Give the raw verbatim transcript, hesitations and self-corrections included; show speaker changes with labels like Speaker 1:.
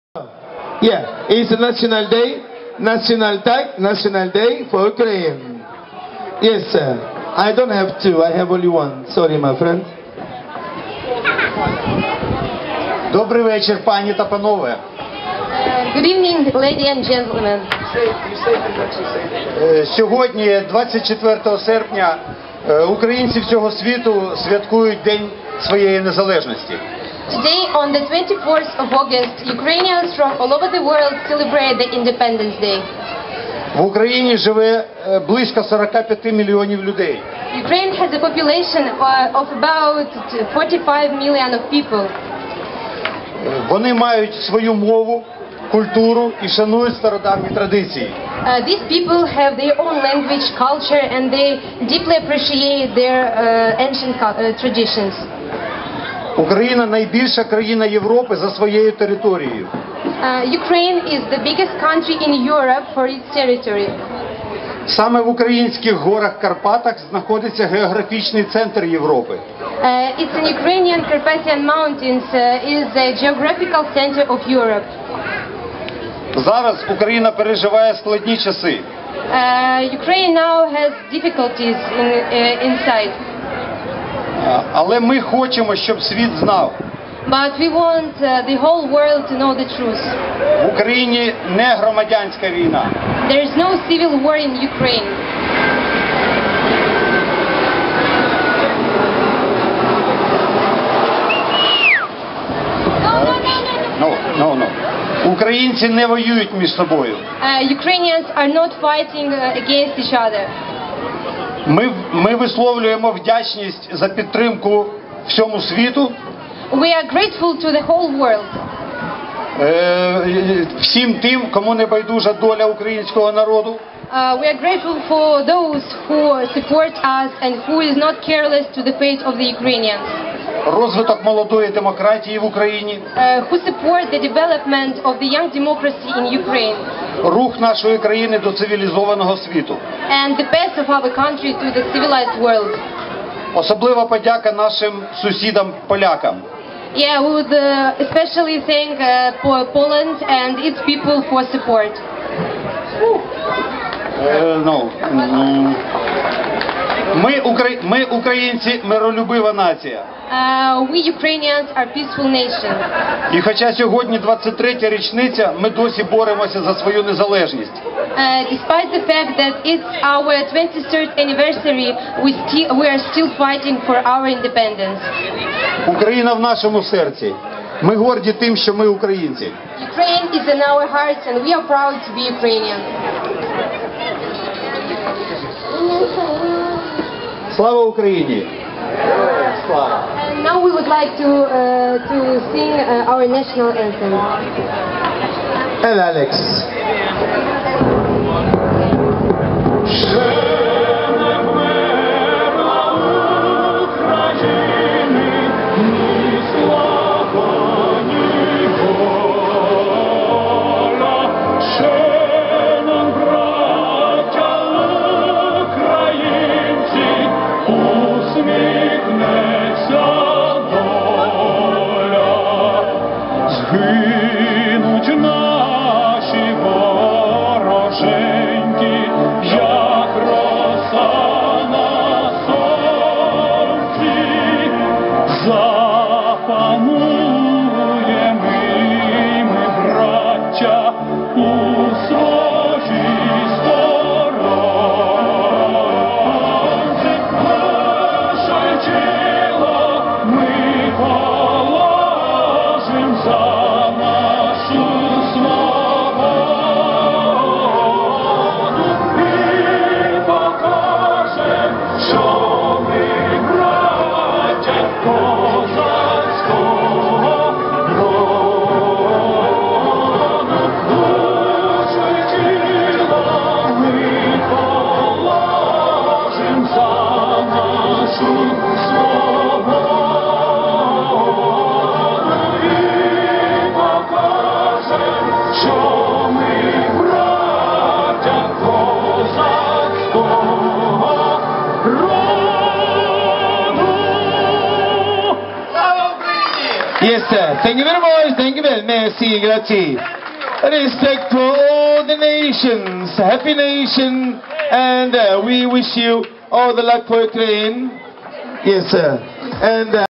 Speaker 1: Yeah, it's a national day, national tag, national day for Ukraine. Yes, sir. I don't have two, I have only one. Sorry, my friend.
Speaker 2: Добрий вечір, пані та панове.
Speaker 3: Good evening, ladies and gentlemen.
Speaker 2: Е, Сьогодні, двадцять четвертого серпня, е, українці всього світу святкують День своєї незалежності.
Speaker 3: Today, on the twenty-fourth of August, Ukrainians from all over the world celebrate the Independence Day.
Speaker 2: В Україні живе е, близько сорок п'ять мільйонів людей.
Speaker 3: Ukraine has a population uh, of about forty-five million of people.
Speaker 2: Е, Вони мають свою мову, культуру і шанують стародавні традиції.
Speaker 3: Uh, these people have their own language, culture, and they deeply appreciate their uh, ancient cu- uh, traditions.
Speaker 2: Україна найбільша країна Європи за своєю територією.
Speaker 3: Uh, Ukraine is the biggest country in Europe for its territory.
Speaker 2: Саме в українських горах Карпатах знаходиться географічний центр Європи.
Speaker 3: Uh, it's in Ukrainian Carpathian Mountains uh, is the geographical center of Europe.
Speaker 2: Зараз Україна переживає складні часи.
Speaker 3: Uh, Ukraine now has difficulties in, uh, inside,
Speaker 2: А, Але ми хочемо, щоб світ знав.
Speaker 3: but we want uh, the whole world to know the truth.
Speaker 2: В Україні не громадянська війна.
Speaker 3: There is no civil war in Ukraine.
Speaker 2: Ну, ну, ну. Українці не воюють між собою.
Speaker 3: Uh, Ukrainians are not fighting uh, against each other.
Speaker 2: Ми, ми висловлюємо вдячність за підтримку всьому світу,
Speaker 3: We are grateful to the whole world.
Speaker 2: е, всім тим, кому не байдужа доля українського народу.
Speaker 3: Uh, we are grateful for those who support us and who is not careless to the fate of the Ukrainians.
Speaker 2: Розвиток молодої демократії в Україні,
Speaker 3: Uh, who support the development of the young democracy in Ukraine
Speaker 2: рух нашої країни до цивілізованого світу.
Speaker 3: and the path of our country to the civilized world.
Speaker 2: Особлива подяка нашим сусідам-полякам.
Speaker 3: Yeah, we would uh, especially thank uh, Po- Poland and its people for support.
Speaker 2: Е, ну, м, ми, укра- ми, українці, миролюбива нація.
Speaker 3: Uh, we Ukrainians are peaceful nation.
Speaker 2: І хоча сьогодні двадцять третя річниця, ми досі боремося за свою незалежність.
Speaker 3: Uh, despite the fact that it's our twenty-third anniversary, we, sti- we are still fighting for our independence.
Speaker 2: Україна в нашому серці. Ми горді тим, що ми українці.
Speaker 3: Ukraine is in our hearts and we are proud to be Ukrainian.
Speaker 2: Слава Україні! Слава!
Speaker 3: And now we would like to, uh, to sing uh, our national anthem.
Speaker 1: And Alex.
Speaker 4: Згинуть наші вороженьки, як роса на сонці, запануємо ми, браття, у своїй сторонці. Наше тіло ми положим за нашу свободу і покажем, що ми браття козацького
Speaker 1: Yes, sir. Thank you very much. Thank you very much. Merci, grazie. Respect for all the nations. Happy nation. And uh, we wish you all the luck for Ukraine. Yes, sir. And... Uh,